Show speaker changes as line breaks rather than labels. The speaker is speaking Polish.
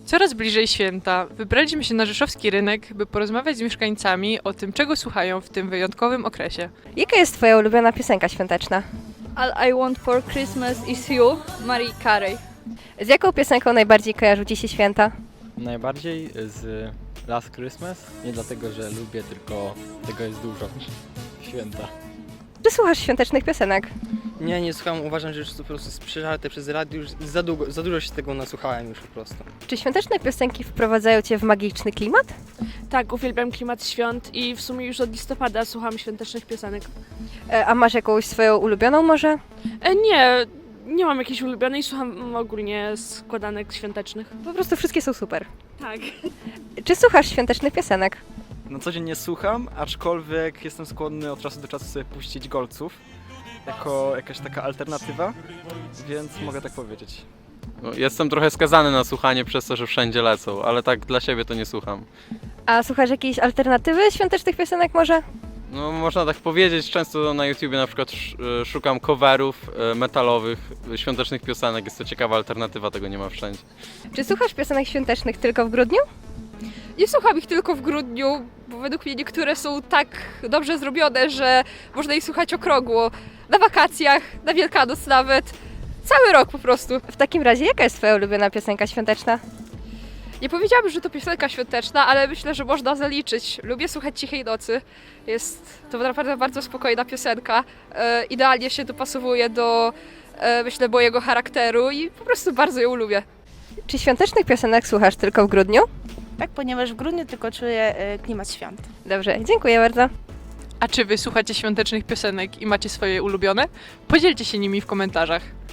Coraz bliżej święta. Wybraliśmy się na rzeszowski rynek, by porozmawiać z mieszkańcami o tym, czego słuchają w tym wyjątkowym okresie.
Jaka jest Twoja ulubiona piosenka świąteczna?
All I Want for Christmas is You, Mariah Carey.
Z jaką piosenką najbardziej kojarzą Ci się święta?
Najbardziej z Last Christmas. Nie dlatego, że lubię, tylko tego jest dużo. Święta.
Czy słuchasz świątecznych piosenek?
Nie słucham, uważam, że już to po prostu jest przeżarte przez radio, już za dużo się tego nasłuchałem już po prostu.
Czy świąteczne piosenki wprowadzają Cię w magiczny klimat?
Tak, uwielbiam klimat świąt i w sumie już od listopada słucham świątecznych piosenek.
A masz jakąś swoją ulubioną może?
Nie mam jakiejś ulubionej, słucham ogólnie składanek świątecznych.
Po prostu wszystkie są super.
Tak.
Czy słuchasz świątecznych piosenek?
No co dzień nie słucham, aczkolwiek jestem skłonny od czasu do czasu sobie puścić Golców jako jakaś taka alternatywa, więc mogę tak powiedzieć.
No, jestem trochę skazany na słuchanie przez to, że wszędzie lecą, ale tak dla siebie to nie słucham.
A słuchasz jakiejś alternatywy świątecznych piosenek może?
No można tak powiedzieć, często na YouTubie na przykład szukam coverów metalowych, świątecznych piosenek, jest to ciekawa alternatywa, tego nie ma wszędzie.
Czy słuchasz piosenek świątecznych tylko w grudniu?
Nie słucham ich tylko w grudniu, bo według mnie niektóre są tak dobrze zrobione, że można ich słuchać okrągło. Na wakacjach, na Wielkanoc nawet. Cały rok po prostu.
W takim razie jaka jest Twoja ulubiona piosenka świąteczna?
Nie powiedziałabym, że to piosenka świąteczna, ale myślę, że można zaliczyć. Lubię słuchać Cichej Nocy. Jest to naprawdę bardzo spokojna piosenka. Idealnie się dopasowuje do, myślę, mojego charakteru i po prostu bardzo ją lubię.
Czy świątecznych piosenek słuchasz tylko w grudniu?
Tak, ponieważ w grudniu tylko czuję klimat świąt.
Dobrze, dziękuję bardzo.
A czy wy słuchacie świątecznych piosenek i macie swoje ulubione? Podzielcie się nimi w komentarzach.